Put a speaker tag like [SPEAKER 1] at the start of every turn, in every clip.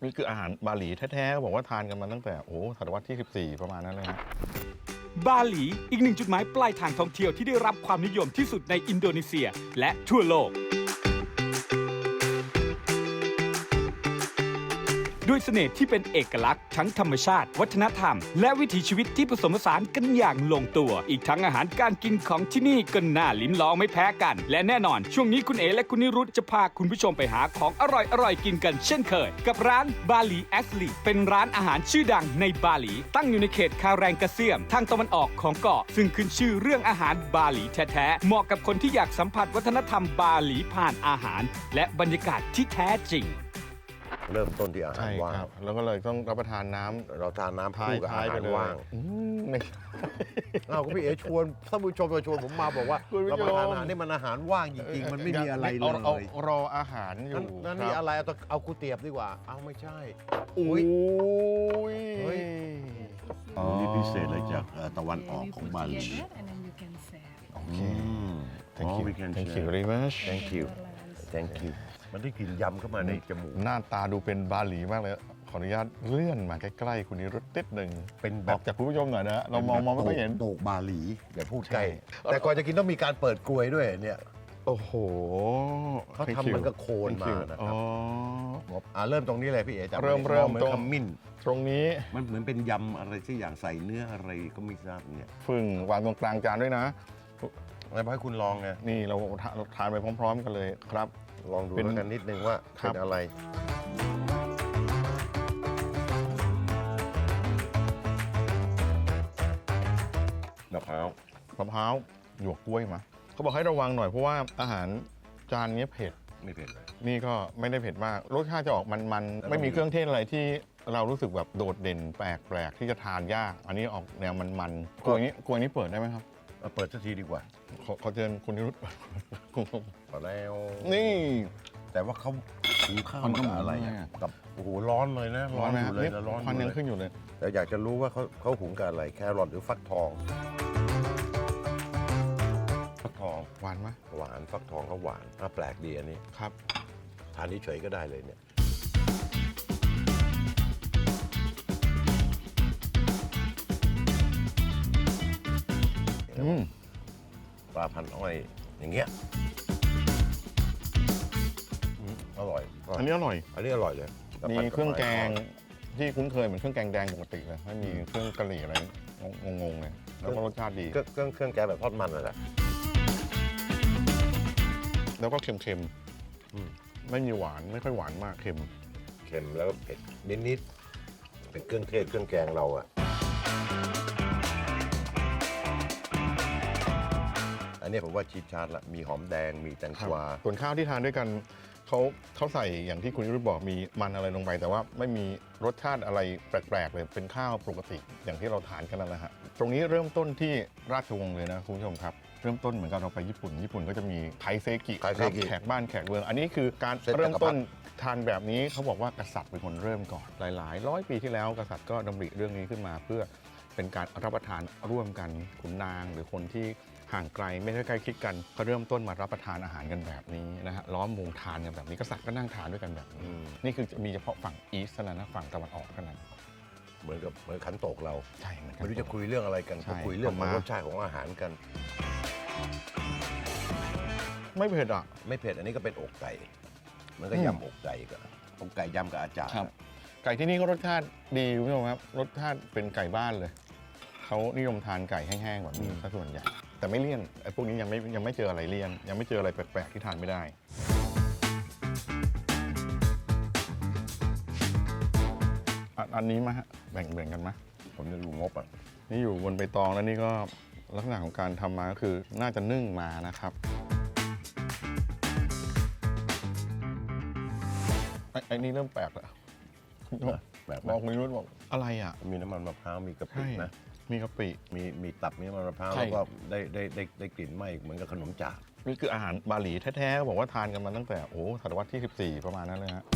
[SPEAKER 1] นี่คืออาหารบาหลีแท้ๆบอกว่าทานกันมาตั้งแต่ศตวรรษที่ 14 ประมาณนั้นเลยฮะ
[SPEAKER 2] บาหลีอีกหนึ่งจุดหมายปลายทางท่องเที่ยวที่ได้รับความนิยมที่สุดในอินโดนีเซียและทั่วโลกด้วยเสน่ห์ที่เป็นเอกลักษณ์ทั้งธรรมชาติวัฒนธรรมและวิถีชีวิตที่ผสมผสานกันอย่างลงตัวอีกทั้งอาหารการกินของที่นี่ก็น่าลิ้มลองไม่แพ้กันและแน่นอนช่วงนี้คุณเอและคุณนิรุตจะพาคุณผู้ชมไปหาของอร่อยๆกินกันเช่นเคยกับร้านบาหลีแอสลีเป็นร้านอาหารชื่อดังในบาหลีตั้งอยู่ในเขตคาแรงกะเซียมทางตะวันออกของเกาะซึ่งขึ้นชื่อเรื่องอาหารบาหลีแท้ๆเหมาะกับคนที่อยากสัมผัสวัฒนธรรมบาหลีผ่านอาหารและบรรยากาศที่แท้จริง
[SPEAKER 3] เริ่มต้นที่อาหาร
[SPEAKER 1] ใช่
[SPEAKER 3] ว่าง
[SPEAKER 1] ครับแล้วก็เลยต้องรับประทานน้ำ
[SPEAKER 3] เราทานน้ำคู่กับอาหารว่าง
[SPEAKER 1] ไม่ใช่
[SPEAKER 3] อ้าวก็พี่เอ๋ชวนท่านผู้ชมมาชวนผมมาบอกว่า
[SPEAKER 1] คุณผู้ชม
[SPEAKER 3] เรามาทานอาหารนี่มันอาหารว่างจริงๆ มันไม่มีอะไรเล
[SPEAKER 1] เอา
[SPEAKER 3] ย
[SPEAKER 1] รออาหารอยู่
[SPEAKER 3] นั่น
[SPEAKER 1] ค
[SPEAKER 3] นี่
[SPEAKER 1] รับ
[SPEAKER 3] อะไรเอากูเตียบดีกว่า เอาไม่ใช่
[SPEAKER 1] อุ้ย
[SPEAKER 3] เฮ้ย
[SPEAKER 4] นี่พิเศษเลยจากตะวันออกของบาหลี
[SPEAKER 5] and then you can serve.
[SPEAKER 1] โอเค
[SPEAKER 4] Thank
[SPEAKER 1] thank you
[SPEAKER 4] we can
[SPEAKER 1] thank you
[SPEAKER 4] share
[SPEAKER 1] very much
[SPEAKER 3] thank you thank you มันได้กลิ่นยำเข้ามาในจมูก
[SPEAKER 1] หน้าตาดูเป็นบาหลีมากเลย ขออนุญาตเลื่อนมาใกล้ๆคุณนิรุตนิดหนึ่ง
[SPEAKER 3] เป็นแบ
[SPEAKER 1] อบ อกจากคุณผู้ชมหน่อยนะ เรามองไม่ค่อยเห็น
[SPEAKER 4] โตกบาหลี
[SPEAKER 3] อย่าพูดใกล้ แต่ก่อนจะกินต้องมีการเปิดกลวยด้วยเนี่ย
[SPEAKER 1] โอ้โห
[SPEAKER 3] เขาทำเหมือนกับโคนมานะครับ
[SPEAKER 1] อ๋อ
[SPEAKER 3] เริ่มตรงนี้เลยพี่เอ๋จับ
[SPEAKER 1] เริ่ม
[SPEAKER 3] เหมือน
[SPEAKER 1] ตรง
[SPEAKER 3] ขมิ้น
[SPEAKER 1] ตรงนี้
[SPEAKER 4] มันเหมือนเป็นยำอะไรสักอย่างใส่เนื้ออะไรก็ไม่ทราบเนี่ย
[SPEAKER 1] ฟึ่งวางตรงกลางจานด้วยนะ
[SPEAKER 3] แล้วให้คุณลองไง
[SPEAKER 1] นี่เราทานไปพร้อม ๆ กันเลยครับ
[SPEAKER 3] ลองดู
[SPEAKER 1] เป็น
[SPEAKER 3] แล้วกันนิดนึงว่า
[SPEAKER 1] ครับ
[SPEAKER 3] เป็นอะไร
[SPEAKER 4] มะพร้าว
[SPEAKER 1] มะพร้าวหยวกกล้วยมาเขาบอกให้ระวังหน่อยเพราะว่าอาหารจานนี้เผ็ด
[SPEAKER 4] ไม่เผ็ดเลย
[SPEAKER 1] นี่ก็ไม่ได้เผ็ดมาก รสชาติจะออกมันๆ ไม่มีเครื่องเทศอะไรที่เรารู้สึกแบบโดดเด่นแปลกๆ ที่จะทานยาก อันนี้ออกแนวมันๆกล้วยนี้เปิดได้ไหมครับ
[SPEAKER 3] เปิดสักทีดีกว่า
[SPEAKER 1] ขอเชิญคุณนิรุต
[SPEAKER 3] มาแล้ว
[SPEAKER 1] นี่
[SPEAKER 3] แต่ว่าเขาหุงข้าว
[SPEAKER 4] มันก็
[SPEAKER 3] กับอะไร
[SPEAKER 4] เหมือนอะไร
[SPEAKER 3] อะ
[SPEAKER 4] อะ
[SPEAKER 3] กับโอ้โหร้อนเลยนะ
[SPEAKER 1] ร้อนไหม
[SPEAKER 3] อ
[SPEAKER 1] ครับ
[SPEAKER 3] ยู่เลย
[SPEAKER 1] นี่
[SPEAKER 3] นะร้อน
[SPEAKER 1] ควันยัง
[SPEAKER 3] อ
[SPEAKER 1] ขึ้นอยู่เลย
[SPEAKER 3] แต่อยากจะรู้ว่าเขาหุงกับอะไรแครอทหรือฟักทอง ฟักทอง
[SPEAKER 1] หวานไหม
[SPEAKER 3] หวานฟักทองก็หวานแปลกดีอันนี้
[SPEAKER 1] ครับ
[SPEAKER 3] ทานเฉยๆก็ได้เลยเนี่ยปลาพันอ้อยอย่างเงี้ยอร่อย
[SPEAKER 1] อันนี้อร่อย
[SPEAKER 3] อันนี้อร่อยเลย
[SPEAKER 1] มีเครื่องแกงที่คุ้นเคยเหมือนเครื่องแกงแดงปกติเลยไม่มีเครื่องกะหรี่อะไรงงๆเลยแล้วก็รสชาติดี
[SPEAKER 3] เครื่องแกงแบบทอดมันนั่นแหละ
[SPEAKER 1] แล้วก็เค็มๆไม่มีหวานไม่ค่อยหวานมากเค็ม
[SPEAKER 3] เค็มแล้วก็เผ็ดนิดๆเป็นเครื่องเทศเครื่องแกงเราอะอันนี้ผมว่าชีสชาร์ดละมีหอมแดงมีแตง
[SPEAKER 1] ครับ
[SPEAKER 3] กวา
[SPEAKER 1] ส่วนข้าวที่ทานด้วยกันเขาใส่อย่างที่คุณยุทธบอกมีมันอะไรลงไป แต่ว่าไม่มีรสชาติอะไรแปลกๆเลยเป็นข้าวปกติอย่างที่เราทานกันนั่นแหละฮะตรงนี้เริ่มต้นที่ราชวงศ์เลยนะคุณผู้ชมครับเริ่มต้นเหมือนกับเราไปญี่ปุ่นก็จะมีไคเซกิรับแขกบ้านแขกเมืองอันนี้คือการเริ่มต้นทานแบบนี้เขาบอกว่ากษัตริย์เป็นคนเริ่มก่อนหลายร้อยปีที่แล้วกษัตริย์ก็ดำริเรื่องนี้ขึ้นมาเพื่อเป็นการรับประทานร่วมกันขุนนางหรือคนที่ห่างไกลไม่ได้ใกล้ชิดกันเขาเริ่มต้นมารับประทานอาหารกันแบบนี้นะฮะล้อมวงทานกันแบบนี้กษัตริย์ก็นั่งทานด้วยกันแบบนี้นี่คือมีเฉพาะฝั่งอีสต์เท่านั้นนะฝั่งตะวันออกเท่านั้น
[SPEAKER 3] เหมือนขันโตกเรา
[SPEAKER 1] ใช่เหมือนกัน
[SPEAKER 3] ไม่รู้จะคุยเรื่องอะไรกัน
[SPEAKER 1] ใช่
[SPEAKER 3] ก็คุยเรื่องของ
[SPEAKER 1] ประมาณ
[SPEAKER 3] รสชาติของอาหารกัน
[SPEAKER 1] ไม่เผ็ดอ่ะ
[SPEAKER 3] ไม่เผ็ดอันนี้ก็เป็นอกไก่มันก็ยำอกไก่กับอกไก่ยำกับอาจารย์
[SPEAKER 1] ไก่ที่นี่ก็รสชาติดีคุณผู้ชมครับรสชาติเป็นไก่บ้านเลยเขานิยมทานไก่แห้งๆแบบนี้ซะส่วนใหญ่แต่ไม่เลี่ยนไอ้พวกนี้ยังไม่เจออะไรเลี่ยนยังไม่เจออะไรแปลกๆที่ทานไม่ได้อันนี้มาฮะแบ่งกันไหม
[SPEAKER 3] ผมจะดูงบอ่ะ
[SPEAKER 1] นี่อยู่บนใบตองแล้วนี่ก็ลักษณะของการทำมาก็คือน่าจะนึ่งมานะครับไอ้นี่เริ่มแปลกแล้ว
[SPEAKER 3] แบบ
[SPEAKER 1] บอกคุณรุ่นบอกอะไรอ่ะ
[SPEAKER 3] มีน้ำมันมะพร้าวมีกะปิ
[SPEAKER 1] ใช่
[SPEAKER 3] นะ
[SPEAKER 1] มีกะปิ
[SPEAKER 3] มีตับมีน้ำมันมะพร้าว
[SPEAKER 1] ใช่
[SPEAKER 3] แล้วก็ได้กลิ่นไหม้เหมือนกับขนมจาก
[SPEAKER 1] นี่คืออาหารบาหลีแท้ๆบอกว่าทานกันมาตั้งแต่ศตวรรษที่ 14 ประมาณนั้นเลยฮะ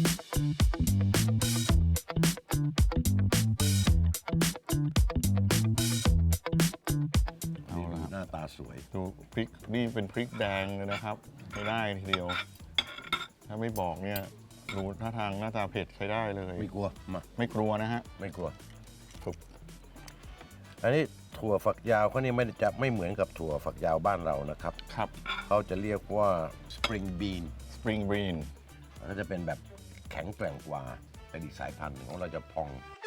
[SPEAKER 1] เอาละครับ
[SPEAKER 3] หน้าตาสวย
[SPEAKER 1] ดูพริกนี่เป็นพริกแดงเลยนะครับไม่ได้ทีเดียว ถ้าไม่บอกเนี่ยดูท่าทางหน้าตาเผ็ดใช้ได้เลย
[SPEAKER 3] ไม่กลัวมา
[SPEAKER 1] ไม่กลัวนะฮะ
[SPEAKER 3] ไม่กลัว
[SPEAKER 1] ถูก
[SPEAKER 3] อันนี้ถั่วฝักยาวเขานี่ไม่เหมือนกับถั่วฝักยาวบ้านเรานะครับ
[SPEAKER 1] ครับ
[SPEAKER 3] เขาจะเรียกว่า spring bean
[SPEAKER 1] spring bean
[SPEAKER 3] ก็จะเป็นแบบแข็งแกร่งกว่าเป็นอีกสายพันธุ์หนึ่งของเราจะพอง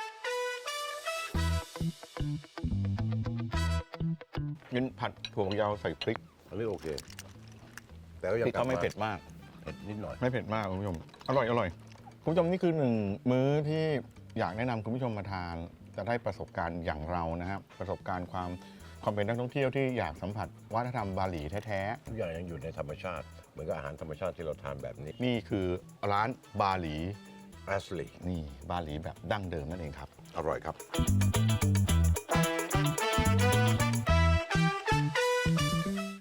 [SPEAKER 1] กินผัดถั่วฝักยาวใส่พริก
[SPEAKER 3] อันนี้โอเค แต่ก็
[SPEAKER 1] พ
[SPEAKER 3] ยัง
[SPEAKER 1] ริก
[SPEAKER 3] กลับ
[SPEAKER 1] ก็ไม่
[SPEAKER 3] มา
[SPEAKER 1] เผ็ดมาก
[SPEAKER 3] เผ็ดนิดหน่อย
[SPEAKER 1] ไม่เผ็ดมากคุณผู้ชม อร่อยอร่อยคุณผู้ชมนี่คือหนึ่งมื้อที่อยากแนะนำคุณผู้ชมมาทาน จะได้ประสบการณ์อย่างเรานะครับ ประสบการณ์ความเป็นนักท่องเที่ยวที่อยากสัมผัสวัฒนธรรมบาหลีแท้
[SPEAKER 3] ทุกอย่างยังอยู่ในธรรมชาติ เหมือนกับอาหารธรรมชาติที่เราทานแบบนี้
[SPEAKER 1] ๆ นี่คือร้านบาหลี
[SPEAKER 3] ashley
[SPEAKER 1] นี่บาหลีแบบดั้งเดิมนั่นเองครับ
[SPEAKER 3] อร่อยครับ